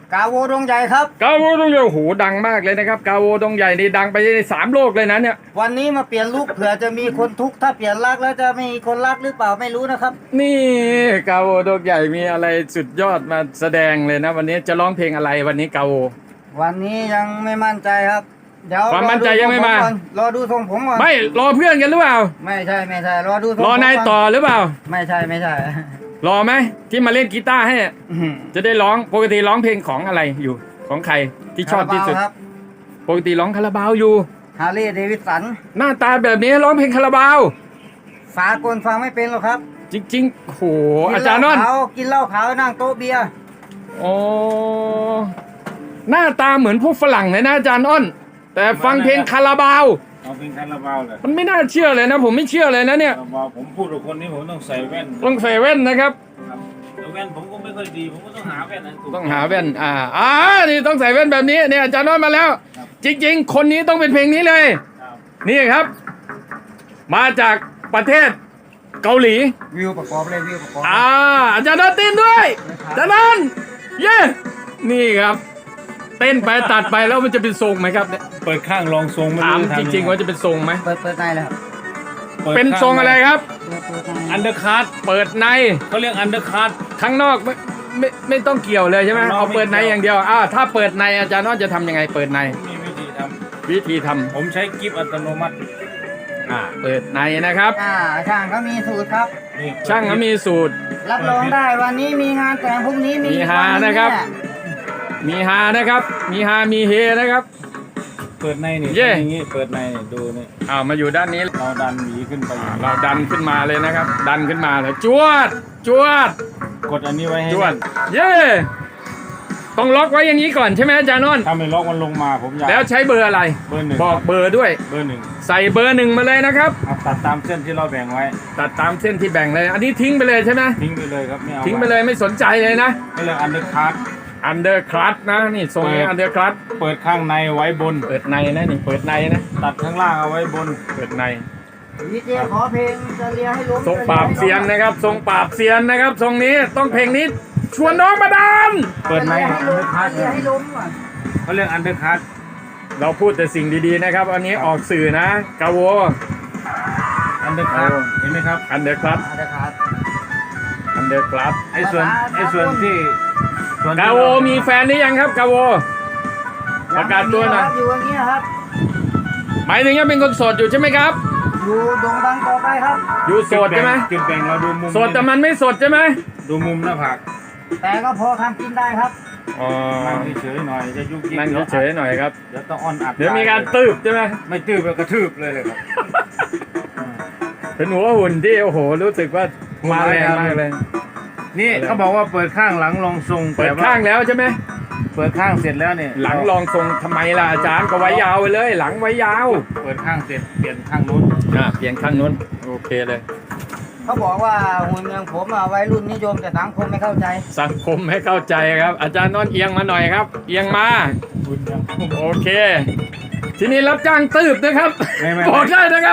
กาโวดงใหญ่ครับกาโวดงใหญ่โอ้โหดังมากเลยนะครับกาโวดงใหญ่นี่ดังไปใน3 โลกเลยนะเนี่ยวันนี้มาเปลี่ยนลุคเผื่อจะมีคนทุกข์ถ้าเปลี่ยนรักแล้วจะมีคนรักหรือเปล่าไม่รู้นะครับนี่กาโวดงใหญ่มีอะไรสุดยอดมาแสดงเลยนะวันนี้จะร้องเพลงอะไรวันนี้กาโววันนี้ยังไม่มั่นใจครับเดี๋ยวความมั่นใจยังไม่มารอดูทรงผมก่อนไม่รอเพื่อนกันหรือเปล่าไม่ใช่รอดูทรงรอนายต่อหรือเปล่าไม่ใช่รอไหมที่มาเล่นกีตาร์ให้จะได้ร้องปกติร้องเพลงของอะไรอยู่ของใครที่ชอบที่สุดปกติร้องคาราบาวอยู่ฮาร์ลีย์เดวิดสันหน้าตาแบบนี้ร้องเพลงคาราบาวสากลฟังไม่เป็นหรอกครับจริงๆโหอาจารย์นนท์กินเหล้าขาวนั่งโต๊ะเบียร์โอ้หน้าตาเหมือนพวกฝรั่งเลยนะอาจารย์อ้นแต่ฟังเพลงคาราบาวเอาเพลงคาราบาวเลยมันไม่น่าเชื่อเลยนะผมไม่เชื่อเลยนะเนี่ยผมพูดกับคนนี้ผมต้องใส่แว่นต้องใส่แว่นนะครับแว่นผมก็ไม่ค่อยดีผมก็ต้องหาแว่นต้องหาแว่นนี่ต้องใส่แว่นแบบนี้เนี่ยอาจารย์น้อยมาแล้วจริงๆคนนี้ต้องเป็นเพลงนี้เลยนี่ครับมาจากประเทศเกาหลีวิวประกอบเลยวิวประกอบอาจารย์น้อยเต้นด้วยอาจารย์น้อยเย้นี่ครับเต้นไปตัดไปแล้วมันจะเป็นทรงไหมครับเนี่ยเปิดข้างลองทรงถามจริงๆว่าจะเป็นทรงไหมเปิดในเลยครับเป็นทรงอะไรครับอันเดอร์คัทเปิดในเขาเรียกอันเดอร์คัทข้างนอกไม่ต้องเกี่ยวเลยใช่ไหมเอาเปิดในอย่างเดียวถ้าเปิดในอาจารย์น้อยจะทำยังไงเปิดในมีวิธีทำผมใช้กิฟต์อัตโนมัติเปิดในนะครับช่างเขามีสูตรครับช่างเขามีสูตรรับรองได้วันนี้มีงานแต่งพรุ่งนี้มีฮานะครับมีฮานะครับมีฮามีเฮนะครับเปิดในนี่อย่างนี้เปิดในดูนี่มาอยู่ด้านนี้เราดันหวีขึ้นไปเราดันขึ้นมาเลยนะครับดันขึ้นมาเลยจวดกดอันนี้ไว้ให้จวดต้องล็อกไว้อย่างนี้ก่อนใช่ไหมอาจารย์นนท์ถ้าไม่ล็อกมันลงมาผมอยากแล้วใช้เบอร์อะไรเบอร์ 1 บอกเบอร์ด้วยเบอร์ 1 ใส่เบอร์ 1มาเลยนะครับตัดตามเส้นที่เราแบ่งไว้ตัดตามเส้นที่แบ่งเลยอันนี้ทิ้งไปเลยใช่ไหมทิ้งไปเลยครับไม่เอาทิ้งไปเลยไม่สนใจเลยนะไม่เลยอันเดอร์คัทนะนี่ทรงนี้อันเดอร์คัทเปิดข้างในไว้บนเปิดในนะนี่เปิดในนะตัดข้างล่างเอาไว้บนเปิดในดีเจขอเพลงจะเลียให้ล้มทรงปราบเซียนนะครับทรงปราบเซียนนะครับทรงนี้ต้องเพลงนี้ชวนน้องมาดันเปิดในให้ล้มเขาเรียกอันเดอร์คัทเราพูดแต่สิ่งดีๆนะครับอันนี้ออกสื่อนะกาโวอันเดอร์คัทเห็นไหมครับอันเดอร์คัทไอ้ส่วนที่กาโวมีแฟนหรือยังครับกาโวประกาศตัวหน่อยอยู่อย่างนี้ครับหมายถึงยังเป็นคนโสดอยู่ใช่ไหมครับอยู่ดงดังต่อไปครับอยู่โสดใช่ไหมจุดแบ่งเราดูมุมโสดแต่มันไม่สดใช่ไหมดูมุมหน้าผากแต่ก็พอทำกินได้ครับนั่งเฉยๆหน่อยจะยุกยิกนั่งเฉยๆหน่อยครับเดี๋ยวต้องอ่อนอัดเดี๋ยวมีการตืบใช่ไหมไม่ตืบกระทืบเลยครับเป็นหัวหุ่นที่โอ้โหรู้สึกว่ามาแรงมากเลยนี่เขาบอกว่าเปิดข้างหลังลองทรงเปิดข้างแล้วใช่ไหมเปิดข้างเสร็จแล้วเนี่ยหลังลองทรงทำไมล่ะอาจารย์ก็ไว้ยาวไปเลยหลังไว้ยาวเปิดข้างเสร็จเปลี่ยนข้างนู้นเปลี่ยนข้างนู้นโอเคเลยเขาบอกว่าหุ่นเมืองผมวัยรุ่นนิยมแต่สังคมไม่เข้าใจสังคมไม่เข้าใจครับอาจารย์นนท์เอียงมาหน่อยครับเอียงมาโอเคทีนี้รับจ้างตืบนะครับบอกได้นะครับ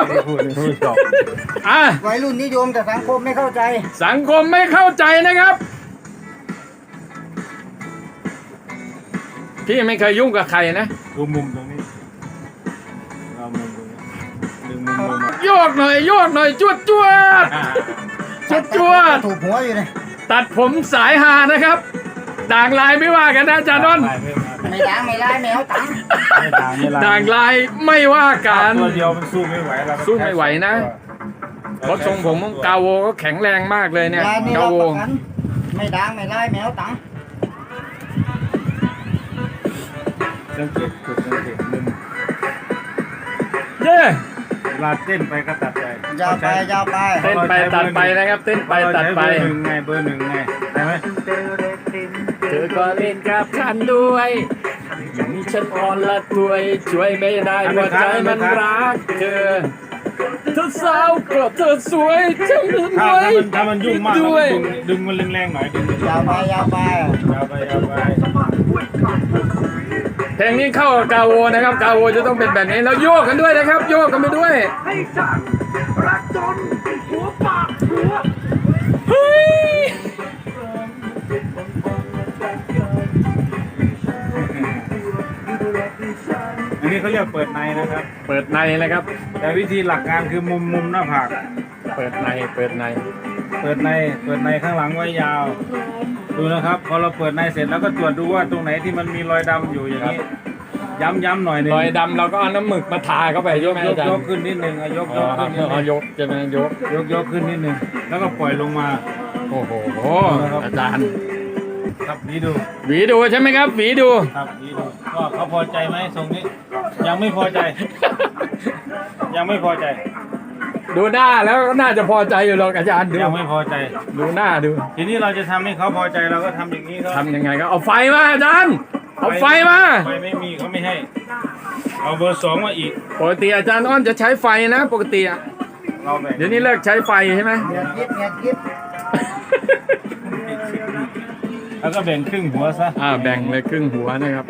วัยรุ่นนิยมแต่สังคมไม่เข้าใจสังคมไม่เข้าใจนะครับพี่ไม่เคยยุ่งกับใครนะดูมุมตรงนี้เรามุมตรงนี้ดึงมุมโยกหน่อยจวดถูกหัวอยู่เลยตัดผมสายหานะครับด่างลายไม่ว่ากันนะอาจารย์นนท์ไม่ด่างไม่ลายแมวตังด่างลายไม่ว่ากันตัวเดียวมันสู้ไม่ไหวแล้วสู้ไม่ไหวนะเพราะทรงผมของกาโวก็แข็งแรงมากเลยเนี่ยกาโวไม่ด่างไม่ลายแมวตังสังเกตมุมเย้เวลาเต้นไปก็ตัดไปยาวไปเต้นไปตัดไปนะครับเต้นไปตัดไปเบอร์หนึ่งไงใช่ไหมเธอก็เล่นกับฉันด้วยอย่างนี้ฉันอ่อนละถวยช่วยไม่ได้หัวใจมันรักเธอสาวก็เธอสวยจังเลยถ้ามันยุ่งมากดึงมันแรงๆหน่อยดึงยาวไปเพลงนี้เข้ากับกาโวนะครับกาโวจะต้องเป็นแบบนี้แล้วโยกกันด้วยนะครับโยกกันไปด้วยให้จังรักจนหัวปากหัวเฮ้ยอันนี้เขาเรียกเปิดในนะครับเปิดในนะครับแต่วิธีหลักการคือมุมหน้าผากเปิดในเปิดในเปิดในข้างหลังไว้ยาว ดูนะครับพอเราเปิดในเสร็จแล้วก็ตรวจดูว่าตรงไหนที่มันมีรอยดำอยู่อย่างนี้ ย้ำหน่อยหนึงรอยดำเราก็เอาน้ำหมึกมาทาเข้าไปยใช่กไหมยอาก จารยย์กขึ้นนิดนึงยกอ๋อขึ้นนิดนึงเอายกจะเป็นยกยกขึ้นนิดนึงแล้วก็ปล่อยลงมาโอ้โหนะครับอาจารย์ครับนี่ดูหวีดูใช่ไหมครับหวีดูครับนี่ดูก็เขาพอใจไหมทรงนี้ ยังไม่พอใจ ยังไม่พอใจดูหน้าแล้วก็น่าจะพอใจอยู่หรอกอาจารย์ดูยังไม่พอใจดูหน้าดูทีนี้เราจะทำให้เขาพอใจเราก็ทำอย่างนี้ครับทำยังไงก็เอาไฟมาอาจารย์เอาไฟมาไฟไม่มีเขาไม่ให้ เอาเบอร์สองมาอีกปกติอาจารย์อ้อนจะใช้ไฟนะปกติอะเราแบ่งเดี๋ยวนี้เลิกใช้ไฟใช่ไหมเงียบกิ๊บแล้วก็แบ่งครึ่งหัวซะแบ่งเลยครึ่งหัวนะครับ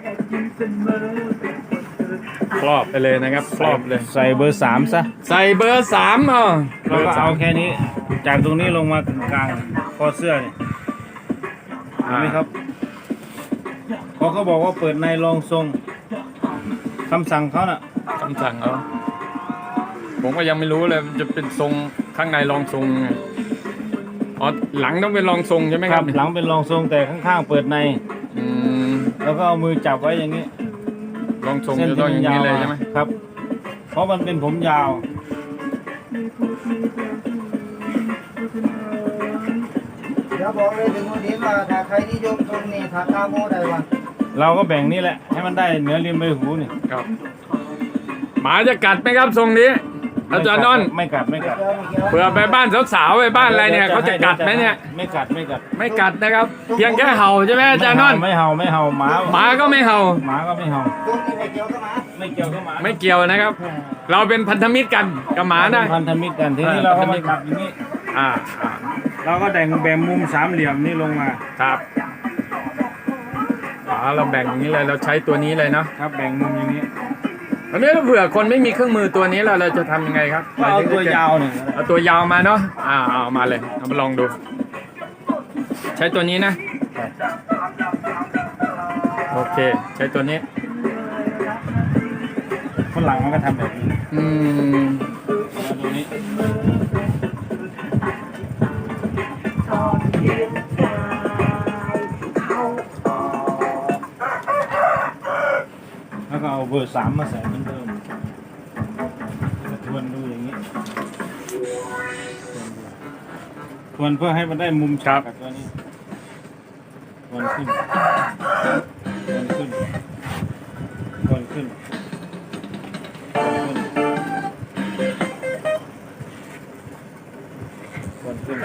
ครอบไปเลยนะครับครอบเลยใส่เบอร์สามซะใส่เบอร์3อ่ะเบเราอก็ร์สาเอามแค่นี้ จากตรงนี้ลงมากลางคอเสื้อเนี่ยเห็นไหมครับพอเขาบอกว่าเปิดในรองทรงคำสั่งเขาน่ะคำสั่งเอาผมก็ยังไม่รู้เลยมันจะเป็นทรงข้างในรองทรงไงอ๋อหลังต้องเป็นรองทรงใช่ไหมครับหลังเป็นรองทรงแต่ข้างๆเปิดในอืมแล้วก็เอามือจับไว้อย่างนี้รองทรงจะต้องอย่างนี้เลยใช่ไหมครับ เพราะมันเป็นผมยาวเดี๋ยวบอกเลยถึงวันนี้ว่าถ้าใครนิยมทรงนี่ถ้ากาโมได้วะเราก็แบ่งนี่แหละ ให้มันได้เหนือริมใบหูนี่ครับหมาจะกัดไหมครับทรงนี้อาจารย์นนท์ไม่กัดเกี่ยวไม่เกี่ยวเผื่อไปบ้านสาวๆไปบ้านอะไรเนี่ยเขาจะกัดไหมเนี่ยไม่กัดไม่กัดนะครับ เพียงแค่เห่าใช่ไหมอาจารย์นนท์ไม่เห่าหมาหมาก็ไม่เห่าหมาก็ไม่เห่าตรงนี้ไม่เกี่ยวกับหมาไม่เกี่ยวกับหมาไม่เกี่ยวนะครับ เราเป็นพันธมิตรกันกับหมานะพันธมิตรกันทีนี้เราก็มาจับอย่างนี้อ่าเราก็แบ่งมุมสามเหลี่ยมนี่ลงมาครับเราแบ่งอย่างนี้เลยเราใช้ตัวนี้เลยเนาะครับแบ่งมุมอย่างนี้อันนี้เผื่อคนไม่มีเครื่องมือตัวนี้เราจะทำยังไงครับก็เอาตัวยาวหนึ่งเอาตัวยาวมาเนาะเอามาเลยเอามาลองดู ใช้ตัวนี้นะโอเคใช้ตัวนี้คนหลังมันก็ทำแบบนี้อืมเอาตรงนี้แล้วก็เอาเบอร์สามมาใส่เหมือนเดิมทวนดูอย่างนี้ทวนเพื่อให้มันได้มุมฉากกับตัวนี้ทวนขึ้นทวนขึ้นทวนขึ้นทวนขึ้น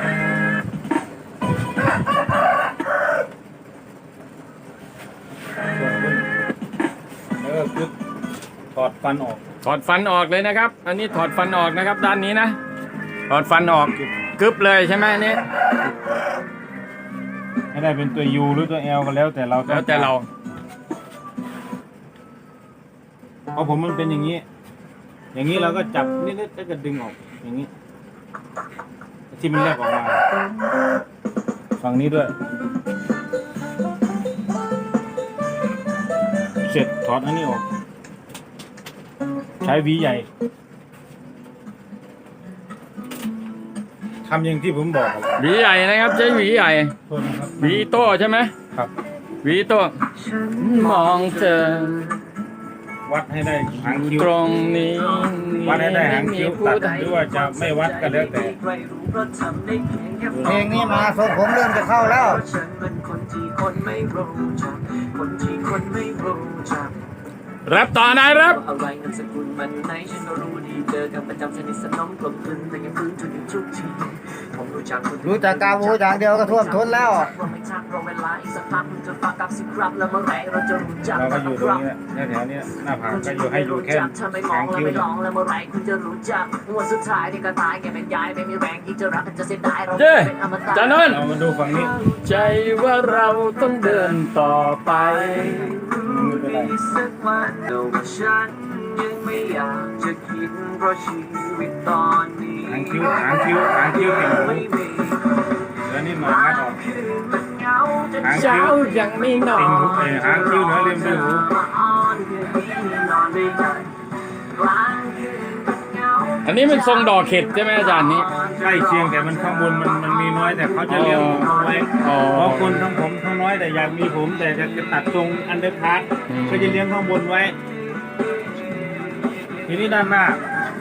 แล้วก็คือถอดฟันออกถอดฟันออกเลยนะครับ อันนี้ถอดฟันออกนะครับ ด้านนี้นะถอดฟันออกกึบเลยใช่ไหมอันนี้ให้ได้เป็นตัว U หรือตัว L ก็แล้วแต่เราแล้วแต่เราเพราะผมมันเป็นอย่างนี้ อย่างนี้เราก็จับนิดๆแล้วก็ดึงออกอย่างนี้ ที่มันแลบออกมาฝั่งนี้ด้วย เสร็จถอดอันนี้ออก ใช้หวีใหญ่ทำอย่างที่ผมบอกครับหวีใหญ่นะครับใช้หวีใหญ่โทษนะครับหวีโต้ใช่ไหมครับหวีโต้มองเธอวัดให้ได้หางคิ้วตรงนี้วัดให้ได้หางคิ้วตัดหรือว่าจะไม่วัดก็แล้วแต่เพลงนี้มาทรงผมเริ่มจะเข้าแล้วฉันเป็นคนที่คนไม่รู้จักคนที่คนไม่รู้จักแรปต่อนะแรปอะไรเงินสกุลมันไหนฉันก็รู้ดีเจอกันประจำสนิทสนมกลมกลืนแต่ยังฟื้นจนถึงทุกทีผมรู้จักคนรู้จักกาโมอย่างเดียวก็ท่วมท้นแล้วว่าไม่ชักรอเวลาอีกสักพักจะฝากกับสิครับแล้วเมื่อไหร่เราจะรู้จักเราก็อยู่ตรงนี้แหละแถวๆนี้หน้าผากก็อยู่ให้อยู่แค่ถ้าไม่มอหาง งแล้วคิ้วไม่ลองแล้วเมื่อไหร่คุณจะรู้จักวันสุดท้ายที่ก็ตายแกเป็นยายไม่มีแรงที่จะรักกันจะเสียดายเราเจ้เป็นอมตะจานนท์เรามาดูฝั่งนี้ใจว่าเราต้องเดินต่อไปไม่เป็นไรสักวันแต่ว่าฉันยังไม่อยากจะคิดเพราะชีวิตตอนนี้หางคิ้วเก่งไม่มีแล้วนี่หน่อยงัดออกคืนมันเหงาจนหางเช้าคิ้วยังไม่นอติ่งหูนหางคิ้วเหนือริมใบหูอ้อนอันนี้มันทรงดอกเข็ดใช่ไหมอาจารย์นี้ใกล้เคียงแต่มันข้างบนมันมีน้อยแต่เขาจะเลี้ยงผมเอาไว้อ๋อเพราะคนทั้งผมทั้งน้อยแต่อยากมีผมแต่จะตัดทรงอันเดอร์พาร์ทอืมก็จะเลี้ยงข้างบนไว้ ทีนี้ด้านหน้า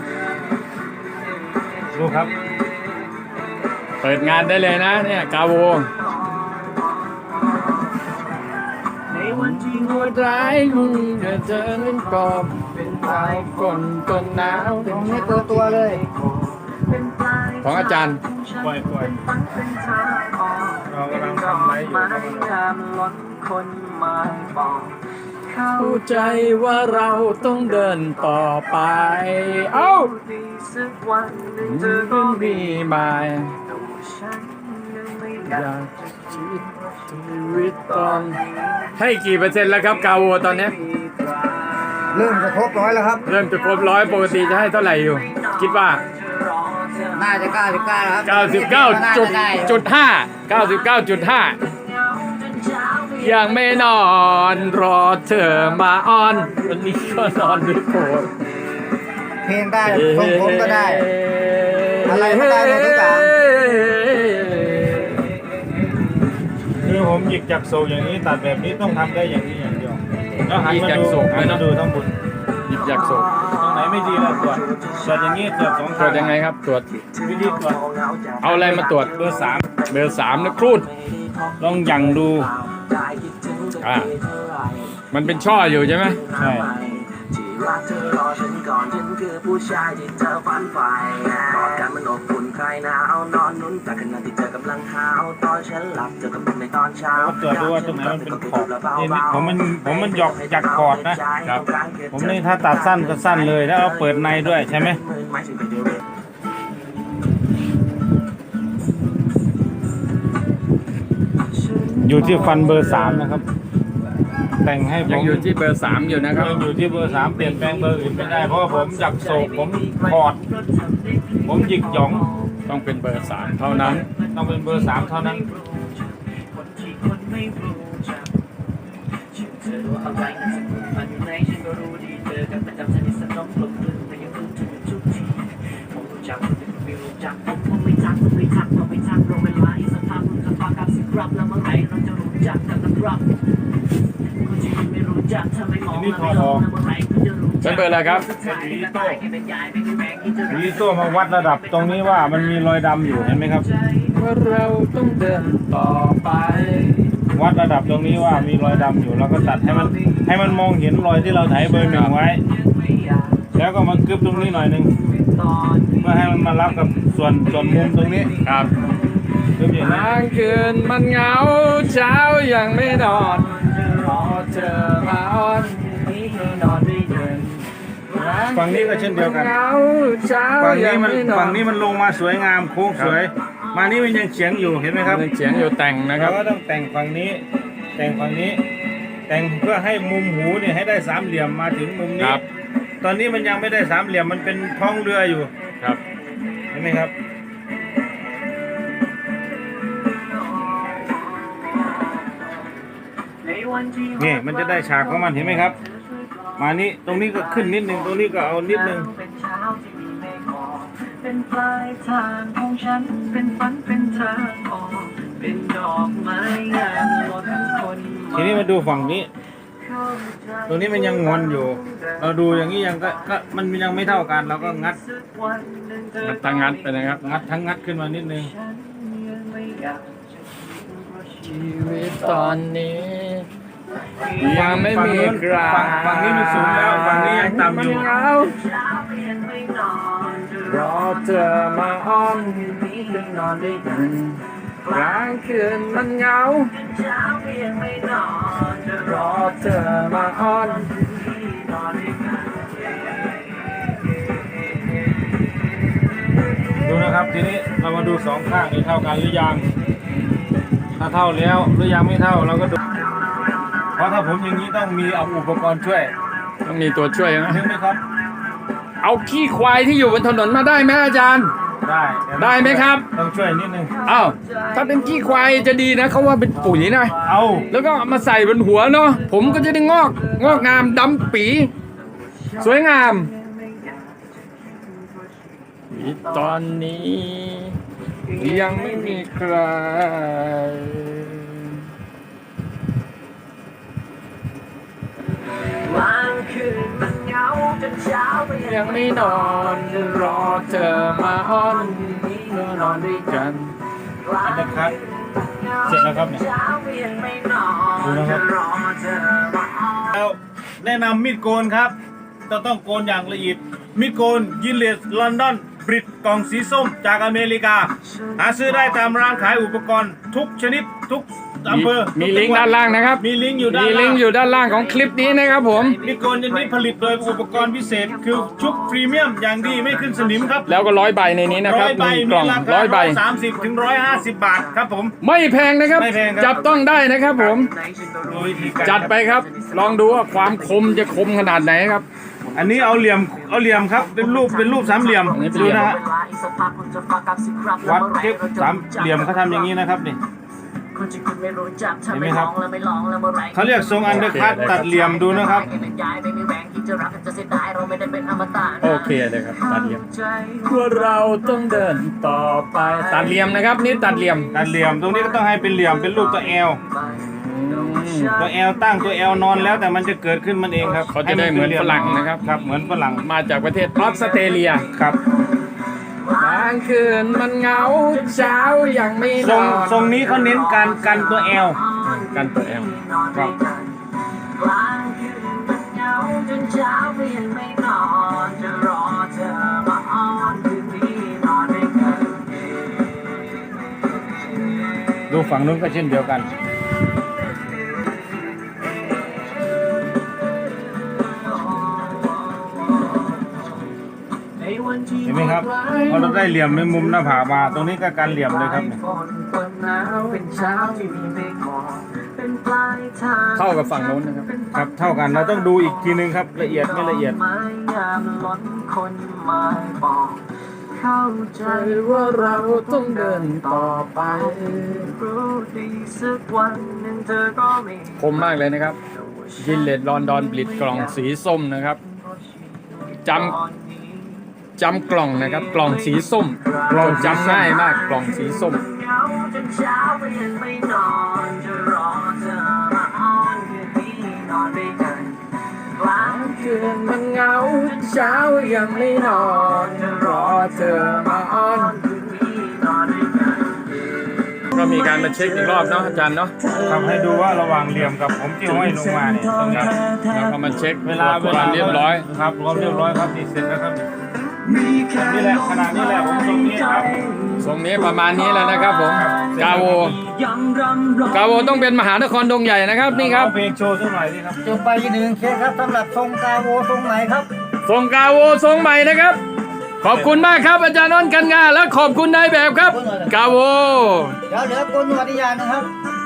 ดูครับเปิดงานได้เลยนะเนี่ยกาโวหัวใจมึงจะเจอเล่นกอบเป็นปลายฝนต้นหนาวตรงนี้เปิดตัวเลยของอาจารย์ปล่อยเรากำลังทำไรอยู่ครับเข้าใจว่าเราต้องเดินต่อไป เอ้ามันมีหมายอยากชีวิตตอนให้กี่เปอร์เซ็นต์แล้วครับกาโวตอนนี้เริ่มจะครบ100แล้วครับเริ่มจะครบ100ปกติจะให้เท่าไหร่อยู่ คิดว่าน่าจะ99แล้วครับ 99.5ยังไม่นอนรอเธอมาอ้อนวันนี้ก็นอนด้วยโผล่เพลงได้ทรงผมก็ได้ อะไรก็ได้หมดทุกอย่างคือผมหยิกจากโศกอย่างนี้ตัดแบบนี้ต้องทำได้อย่างนี้อย่างเดียวแล้วหันมาดูทั้งบนหยิบอยากโศกตรงไหนไม่ดีเราตรวจอย่างนี้ตรวจ2 ตรข้าวจยังไงครับตรวจวิธีตรวจเอาอะไรมาตรวจเบอร์เบอร์3นะครูด 3ลองหยั่งดูอ่ามันเป็นช่ออยู่ใช่ไหมใช่ที่รักเธอรอฉันก่อนฉันคือผู้ชายที่เธอฝันใฝ่กอดกันมันอบอุ่นคลายหนาวนอนนุ่นแต่ขณะที่เธอกำลังหาวตอนฉันหลับเธอกำลังในตอนเช้าเราตรวจดูว่าตรงไหนมันเป็นขอบนี่ผมมันหยอกจากกอดนะผมนี่ถ้าตัดสั้นก็สั้นเลยแล้วเอาเปิดในด้วยใช่ไหมอยู่ที่ฟันเบอร์ 3นะครับ แต่งให้ผยังมอยู่ที่เบอร์3อยู่นะครับยังอยู่ที่เบอร์ 3เปลี่ยนแปลงเบอร์อื่นไม่ได้เพราะว่าผมจักโศกผมคอด ผมหยิกหยองต้องเป็นเบอร์3เท่านั้นต้องเป็นเบอร์ 3เท่านั้น นี่พอเป็นเบอร์อะไรครับวีโต้มาวัดระดับตรงนี้ว่ามันมีรอยดำอยู่เห็นไหมครับว่าเราต้องเดินต่อไปวัดระดับตรงนี้ว่ามีรอยดำอยู่แล้วก็ตัดให้มันมองเห็นรอยที่เราไถเบอร์ 1ไว้ แล้วก็มากึบตรงนี้หน่อยนึงเพื่อให้มันมารับกับส่วนมุมตรงนี้ครับกึบอย่างนี้กลางคืนมันเหงาเช้ายังไม่นอนรอเธอมาอ้อนนี่นอนไม่เดินฝั่งนี้ก็เช่นเดียวกันเหงาเช้าฝั่งยันี้งมันไม่นอนฝั่งนี้มันลงมาสวยงามโค้งสวย มานี่มันยังเฉียงอยู่เห็นไหมครับยังเฉียงอยู่แต่งนะคเรารับก็ต้องแต่งฝั่งนี้ แต่งฝั่งนี้ แต่งเพื่อให้มุมหูเนี่ยให้ได้สามเหลี่ยมมาถึงมุมคนี้รับตอนนี้มันยังไม่ได้สามเหลี่ยมมันเป็นท้องเรืออยู่ครับเห็นไหมครับ นี่มันจะได้ฉากของมันเห็นไหมครับ มานี้ตรงนี้ก็ขึ้นนิดนึงตรงนี้ก็เอานิดนึงเป็นปลายทางของฉันเป็นฝันเป็นทางออกเป็นดอกไม้งามล้นคนทีนี้มาดูฝั่งนี้ ตรงนี้มันยังงอนอยู่ เราดูอย่างนี้ยังก็มันยังไม่เท่ากันเราก็งัดมันตั้งงัดไปนะครับงัดทั้งงัดขึ้นมานิดนึงชีวิตตอนนี้ยังไม่มีใครฝั่งนี้มันสูงแล้วฝั่งนี้ยังต่ำอยู่มันเหงารอเธอมาอ้อนนอนด้วยกันกลางคืนมันเหงารอเธอมาอ้อนดูนะครับทีนี้เรามาดูสองข้างนี่เท่ากันหรือยังถ้าเท่าแล้วหรือยังไม่เท่าเราก็ดูเพราะถ้าผมอย่างนี้ต้องมีเอาอุปกรณ์ช่วยต้องมีตัวช่วยนะนึกไหมครับเอาขี้ควายที่อยู่บนถนนมาได้ไหมอาจารย์ได้ไหมครับต้องช่วยนิดนึงอ้าวถ้าเป็นขี้ควายจะดีนะเขาว่าเป็นปุ๋ยนะเอาแล้วก็เอามาใส่บนหัวเนาะผมก็จะได้งอกงามดำปีสวยงามตอนนี้ยังไม่มีใครยังไม่นอนรอเธอมาอ้อนเมื่อนอนด้วยกันอันนะครับ เสร็จแล้วครับเนี่ยดูนะครับแล้วแนะนำมีดโกนครับต้องโกนอย่างละเอียดมีดโกนยินเลสลอนดอนบริตกล่องสีส้มจากอเมริกาหาซื้อได้ตามร้านขายอุปกรณ์ทุกชนิดทุกอำเภอมีลิงก์ด้านล่างนะครับมีลิงก์อยู่ด้านมีลิล่างก์อยู่ด้านล่างของคลิปนี้นะครับผมมีดโกนชนิดผลิตโดยอุปกรณ์พิเศษ คือชุบพรีเมียมอย่างดีไม่ขึ้นสนิมครับแล้วก็100 ใบในนี้นะครับ 100 ใบ 1 กมีล่องราคา 100 ใบ 130 ถึง 150 บาทครับผมไม่แพงนะครับไม่แพงครับจับต้องได้นะครับผมดูวิธีการจัดไปครับ ลองดูว่าความคมจะคมขนาดไหนครับอันนี้เอาเหลี่ยมครับเป็นรูปสามเหลี่ยมอันนี้เป็นเหลี่ยมดูนะฮะวัดเทปสามเหลี่ยมเขาทำอย่างนี้นะครับนี่ เห็นไหมครับเขาเรียกทรงอันเดอร์คัตตัดเหลี่ยมดูนะครับโอเคเลยครับตัดเหลี่ยมว่าเราต้องเดินต่อไปตัดเหลี่ยมนะครับนี่ตัดเหลี่ยมตัดเหลี่ยมตรงนี้ก็ต้องให้เป็นเหลี่ยมเป็นรูปตัว L ตัว L ตั้งตัว L นอนแล้วแต่มันจะเกิดขึ้นมันเองครับเขาจะได้เหมือนฝรั่งนะครับครับเหมือนฝรั่งมาจากประเทศออสเตรเลียครับกลางคืนมันเหงาเช้ายังไม่นทรงอนทรงนี้เขาเน้นการกันตัว L กันตัวแอลครับดูฝั่งนู้นก็เช่นเดียวกัน เห็นไหมครับพอเราได้เหลี่ยมในมุมหน้าผากมาตรงนี้ก็การเหลี่ยมเลยครับเนี่ยเข้ากับฝั่งโน้นนะครับครับเท่ากันเราต้องดูอีกทีนึงครับละเอียดไม่ละเอียดเข้าใจว่าเราต้องเดินต่อไปคมมากเลยนะครับยินเลดลอนดอนบลิดกล่องสีส้มนะครับจำกล่องนะครับกล่องสีส้มเราจำง่ายมากกล่องสีส้มคืนมันเหงาเช้ายังไม่นอนรอเธอมาอ้อนก็มีการมาเช็คอีกรอบเนาะอาจารย์เนาะทำให้ดูว่าระหว่างเหลี่ยมกับผมที่ห้อยลงมาเนี่ยตรงนี้แล้วก็มาเช็คเวลาความเรียบร้อยครับความเรียบร้อยครับนี่เสร็จแล้วครับนี่แหละขนาดนี้แหละผมตรงนี้ครับทรงนี้ประมาณนี้แล้วนะครับผมกาโวต้องเป็นมหานครดงใหญ่นะครับนี่ครับเอาเพลงโชว์สักหน่อยดิครับจบไปอีก1เคสครับสำหรับทรงกาโวทรงไหนครับทรงกาโวทรงใหม่นะครับ ขอบคุณมากครับอาจารย์นนท์กันงานและขอบคุณนายแบบครับกาโวเดี๋ยวเหลือโกนหนวดอีกอย่างหนึงครับ